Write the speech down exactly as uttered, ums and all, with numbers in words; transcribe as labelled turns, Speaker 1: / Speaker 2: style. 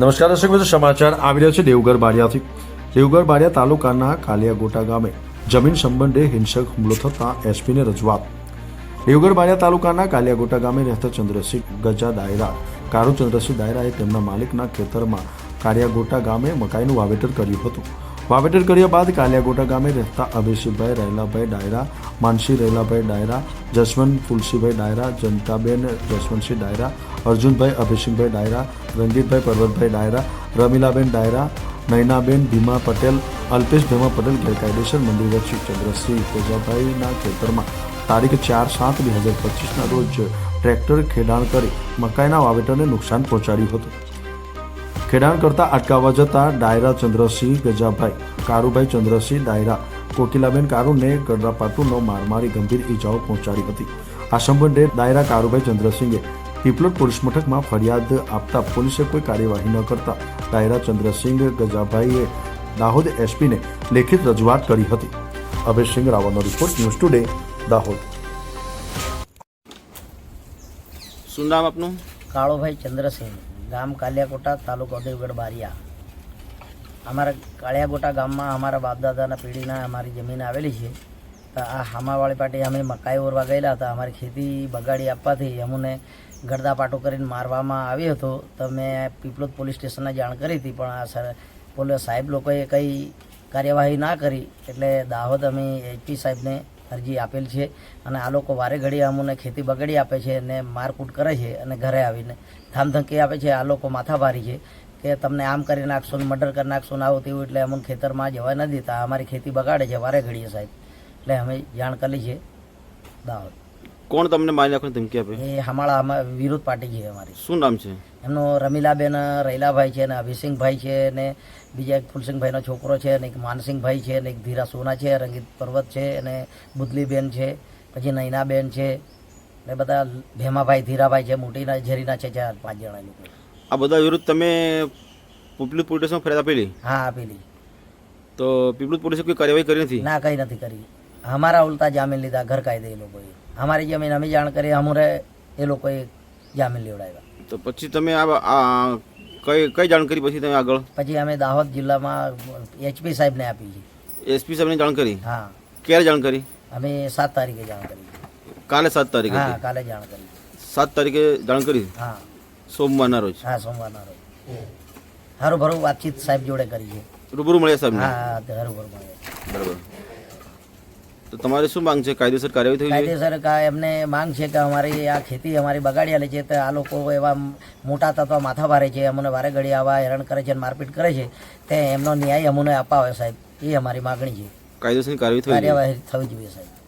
Speaker 1: નમસ્કાર દર્શક મિત્રો, સમાચાર આવી રહ્યા છે દેવગઢ બારિયાથી। દેવગઢ બારિયા તાલુકાના કાલિયાગોટા ગામે જમીન સંબંધે હિંસક હુમલો થતાં એસપીને રજૂઆત। દેવગઢ બારિયા તાલુકાના કાલિયાગોટા ગામે રહેતા ચંદ્રસિંહ ગજા દાયરા કારુ ચંદ્રસિંહ દાયરાએ તેમના માલિકના ખેતરમાં કાલિયાગોટા ગામે મકાઈનું વાવેતર કર્યું હતું। વાવેતર કર્યા બાદ કાલિયાગોટા ગામે રહેતા અભિષેકભાઈ રહેલાભાઈ ડાયરા, માનસી રહેલાભાઈ ડાયરા, જસવંત ફુલસીભાઈ ડાયરા, જનતાબેન જસવંતસિંહ ડાયરા, અર્જુનભાઈ અભિષેકભાઈ ડાયરા, રંગીતભાઈ પર્વતભાઈ ડાયરા, રમીલાબેન ડાયરા, નયનાબેન ભીમા પટેલ, અલ્પેશ ભીમા પટેલ ગેરકાયદેસર મંદિર વચ્ચે ચંદ્રસિંહ તેજાભાઈના ખેતરમાં તારીખ ચાર સાત બે હજાર પચીસના રોજ ટ્રેક્ટર ખેડાણ કરી મકાઈના વાવેતરને નુકસાન પહોંચાડ્યું હતું। ખેડાણ કરતા અટકાવવા જતા ડાયરા ચંદ્રસિંહ ગજાભાઈ, કારુભાઈ ચંદ્રસિંહ ડાયરા, કોકિલાબેન કારુને ગડરાપાટુનો માર મારી ગંભીર ઈજાઓ પહોંચાડી હતી। આ સંબંધે ડાયરા કારુભાઈ ચંદ્રસિંહે પીપલોદ પોલીસ મથકમાં ફરિયાદ આપતા પોલીસે કોઈ કાર્યવાહી ન કરતા ડાયરા ચંદ્રસિંહ ગજાભાઈએ દાહોદ એસપીને લેખિત રજૂઆત કરી હતી। અભયસિંહ રાવલનો રિપોર્ટ, ન્યૂઝ ટુડે, દાહોદ।
Speaker 2: શું નામ આપનું?
Speaker 3: કાળોભાઈ ચંદ્રસિંહ, ગામ કાલિયાકોટા, તાલુકો દેવગઢ બારિયા। અમારા કાળિયાકોટા ગામમાં અમારા બાપદાદાના પેઢીના અમારી જમીન આવેલી છે। તો આ હામાવાળી પાટી અમે મકાઈ ઓરવા ગયેલા હતા। અમારી ખેતી બગાડી આપવાથી અમને ગરદા પાટો કરીને મારવામાં આવ્યો હતો। તો મેં પીપલોદ પોલીસ સ્ટેશનને જાણ કરી હતી, પણ આ સર પોલીસ સાહેબ લોકોએ કંઈ કાર્યવાહી ના કરી, એટલે દાહોદ અમે એચપી સાહેબને અરજી આપેલ છે। અને આ લોકો વારે ઘડી અમને ખેતી બગાડી આપે છે અને મારકૂટ કરે છે અને ઘરે આવીને ધામધમકી આપે છે। આ લોકો માથાભારી છે કે તમને આમ કરી નાખશો ને મર્ડર કરી નાખશો ને આવું તેવું, એટલે અમને ખેતરમાં જવા નથી દેતા। અમારી ખેતી બગાડે છે વારે ઘડીએ સાહેબ, એટલે અમે જાણ કરી છે દાહોદ।
Speaker 2: કોણ તમને મારી નાખવાની ધમકી આપે?
Speaker 3: એ હમાળા વિરોધ પાર્ટી છે અમારી।
Speaker 2: શું નામ છે
Speaker 3: એમનો? રમીલાબેન રૈલાભાઈ છે ને અભિસિંહભાઈ છે ને બીજા એક ફુલસિંહભાઈનો છોકરો છે ને એક માનસિંહભાઈ છે ને એક ધીરા સોના છે, રંગીત પર્વત છે અને બુદલીબેન છે, પછી નયનાબેન છે ને બધા ભેમાભાઈ ધીરાભાઈ છે, મોટીના ઝરીના છે, ચાર પાંચ જણા લોકો।
Speaker 2: આ બધા વિરુદ્ધ તમે પીપલોદ પોલીસ સ્ટેશનમાં ફરિયાદ આપેલી?
Speaker 3: હા, આપેલી।
Speaker 2: તો પીપલોદ પોલીસે કોઈ કાર્યવાહી કરી નથી?
Speaker 3: ના, કંઈ નથી કરી। અમારા ઉલટા જામીન લીધા ગેરકાયદે એ લોકોએ। અમારી જમીન અમે જાણ કરી, અમારે એ લોકોએ જામીન લેવડાવ્યા।
Speaker 2: તો પછી તમે આ કઈ કઈ જાણ કરી પછી તમે આગળ?
Speaker 3: પછી અમે દાહોદ જિલ્લામાં એચપી સાહેબને આપી છે।
Speaker 2: એસપી સાહેબને જાણ કરી?
Speaker 3: હા।
Speaker 2: ક્યારે જાણ કરી?
Speaker 3: અમે સાત તારીખે જાણ કરી।
Speaker 2: કાલે સાત તારીખે?
Speaker 3: હા, કાલે જાણ કરી।
Speaker 2: સાત તારીખે જાણ કરી?
Speaker 3: હા,
Speaker 2: સોમવારના રોજ?
Speaker 3: હા, સોમવારના રોજ। હારું ભરું વાતચીત સાહેબ જોડે કરી છે।
Speaker 2: રૂબરૂ મળ્યા સાહેબ?
Speaker 3: હા, હારું ભરું મળ્યા।
Speaker 2: બરાબર। તો તમારે શું માંગ છે? કાયદેસર કાર્યવાહી થઈ જોઈએ?
Speaker 3: કાયદેસર કા એમને માંગ છે કે અમારી આ ખેતી અમારી બગાડી આલે છે, તો આ લોકો એવા મોટા તત્વ માથા ભારે છે, અમને વારે ઘડી આવા હેરાન કરે છે, મારપીટ કરે છે, તે એમનો ન્યાય અમને અપાવે સાહેબ, એ અમારી માગણી છે।
Speaker 2: કાયદેસર કાર્યવાહી
Speaker 3: કાર્યવાહી થવી જોઈએ સાહેબ।